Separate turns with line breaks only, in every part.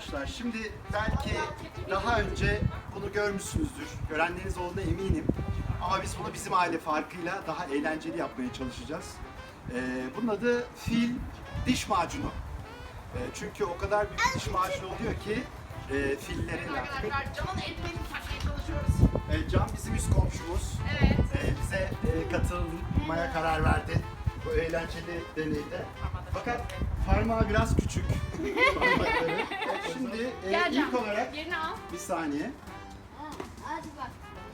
arkadaşlar, şimdi belki daha önce bunu görmüşsünüzdür. Görenleriniz olduğuna eminim. Ama biz bunu bizim aile farkıyla daha eğlenceli yapmaya çalışacağız. Bunun adı fil diş macunu. Çünkü o kadar büyük diş macunu oluyor ki fillerin...
Arkadaşlar Can'ın eldivenini takmaya çalışıyoruz.
Can bizim üst komşumuz.
Evet.
Bize katılmaya karar verdi bu eğlenceli deneyde. Fakat parmağı biraz küçük. Parmakları. Şimdi
Gel Can,
ilk olarak
yerini al.
bir saniye.
Hadi bak.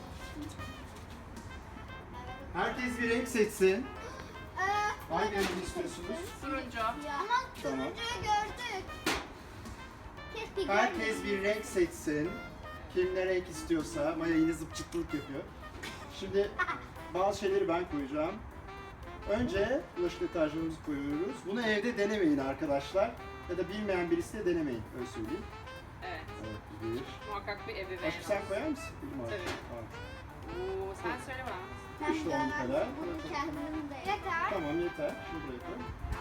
Herkes bir renk seçsin. Hangi rengi istiyorsunuz?
Turuncu.
Ama
Tamam.
turuncuyu gördük. Keşke
Herkes bir renk seçsin. Kim ne renk istiyorsa. Maya yine zıpçıklık yapıyor. Şimdi bazı şeyleri ben koyacağım. Önce bulaşık deterjanımızı koyuyoruz. Bunu evde denemeyin arkadaşlar. Ya da bilmeyen birisi de denemeyin. Öyle söyleyeyim.
Evet.
Evet, bir.
Muhakkak bir ebeveyn.
Aşkım sen koyar mısın? Bilim abi.
Tabii.
Tamam.
Oo, sen söyle bana.
Ben
İşte onun
garanti
kadar.
bunu kendim de yeter.
Tamam yeter. Şunu buraya koy.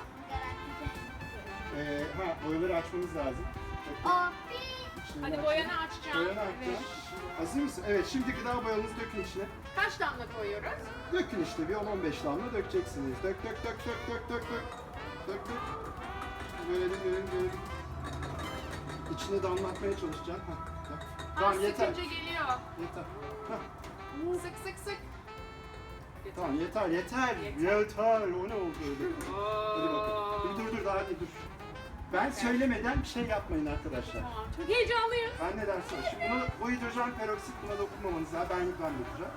Garanti.
Boyaları açmamız lazım.
Abi.
İçini
Hadi
aç.
boyanı açacağım.
Boyanı açacağım. Hazır mısın? Evet, şimdi gıda boyanızı dökün içine.
Kaç damla koyuyoruz?
Dökün işte, bir 10-15 damla dökeceksiniz. Dök dök dök dök dök dök dök. Dök dök. Böyle. İçine damlatmaya çalışacağım. Tamam yeter.
Sıkınca geliyor.
Yeter. Hah,
Sık sık sık.
tamam yeter. Yeter. O ne oldu öyle? Hadi bakalım. Dur daha değil dur. Ben söylemeden bir şey yapmayın arkadaşlar.
Tamam, çok heyecanlıyım.
Ben ne dersin? Şimdi bu hidrojen peroksit buna dokunmamanız lazım. Ben dökeceğim.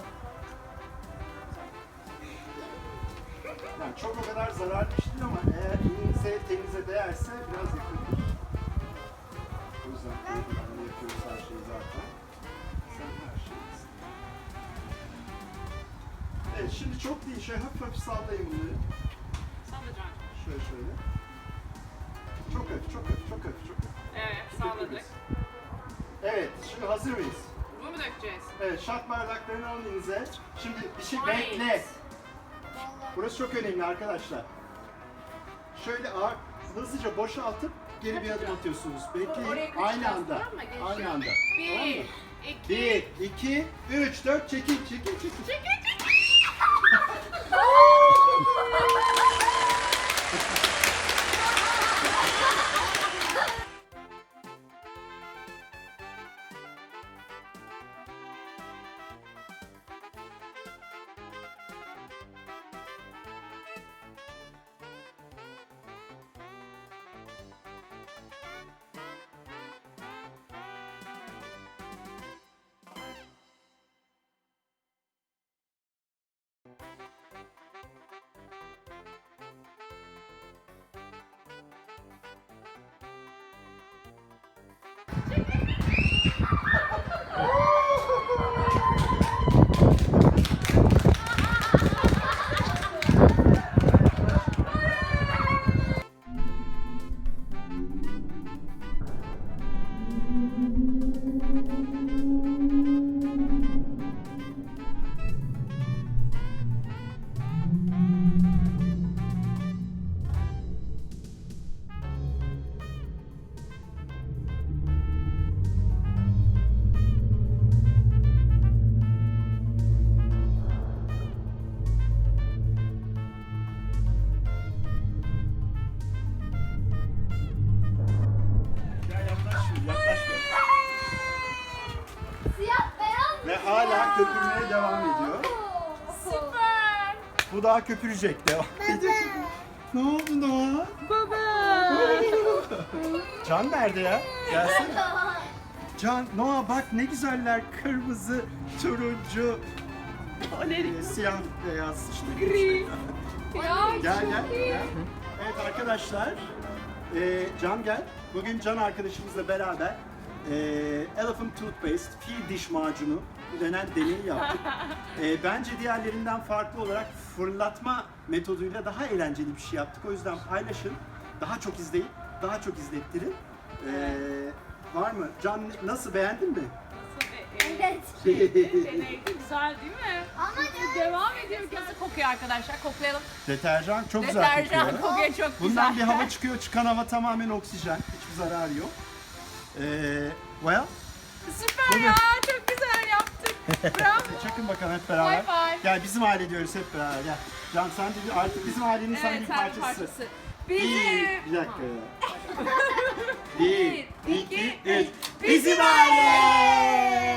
Yani çok o kadar zararlı bir şey değil ama eğer elinize tenize değerse biraz yakındır. O yüzden böyle yapıyoruz her şeyi zaten. Sen her şeyi. Evet, şimdi çok değil, şöyle hafif sallayın bunları.
Sen de Can.
Şöyle. Çok hafif.
Evet, sağladık.
Evet, şimdi hazır mıyız?
Bunu mu dökeceğiz?
Evet, şat bardaklarını alın elinize. Şimdi bir şey
Hayır.
bekle. Burası çok önemli arkadaşlar. Şöyle hızlıca boşaltıp geri bir adım atıyorsunuz.
Oraya
Bekleyin.
kaçacağız,
Aynı anda.
tamam mı? Geçiyor.
Aynı anda. Tamam mı?
1, 2,
1, 2, 3, 4, çekil. Yaklaş.
Siyah beyaz.
Ve hala köpürmeye devam ediyor.
süper.
Bu daha köpürecek. Devam ediyor. Ne oldu Noah?
Baba.
Can nerede ya? Gelsin. Can, Noah bak ne güzeller. Kırmızı, turuncu, siyah, beyaz işte.
Gri. Ya
Gel.
çok iyi.
Evet arkadaşlar, Can gel. Bugün Can arkadaşımızla beraber Elephant Toothpaste, fil diş macunu denen deneyi yaptık. Bence diğerlerinden farklı olarak fırlatma metoduyla daha eğlenceli bir şey yaptık. O yüzden paylaşın, daha çok izleyin, daha çok izlettirin. Var mı? Can nasıl, beğendin mi?
Evet.
Deneydi, güzel değil mi?
Ama
Devam ediyor. Nasıl kokuyor arkadaşlar? Koklayalım.
Deterjan çok güzel
Deterjan
kokuyor.
kokuyor çok güzel.
Bundan bir hava çıkıyor, çıkan hava tamamen oksijen, hiçbir zararı yok. Well,
Süper ya. Çok güzel yaptık. Bravo.
çakın bakalım hep beraber.
High five.
Gel bizim aile diyoruz hep beraber. Gel. Can sen de artık bizim ailenin sen
Evet,
bir
sen bir
parçası.
parçası.
Bir
Bizim.
dakika ya. Bir, iki, üç.
Bizim
Bizim aile!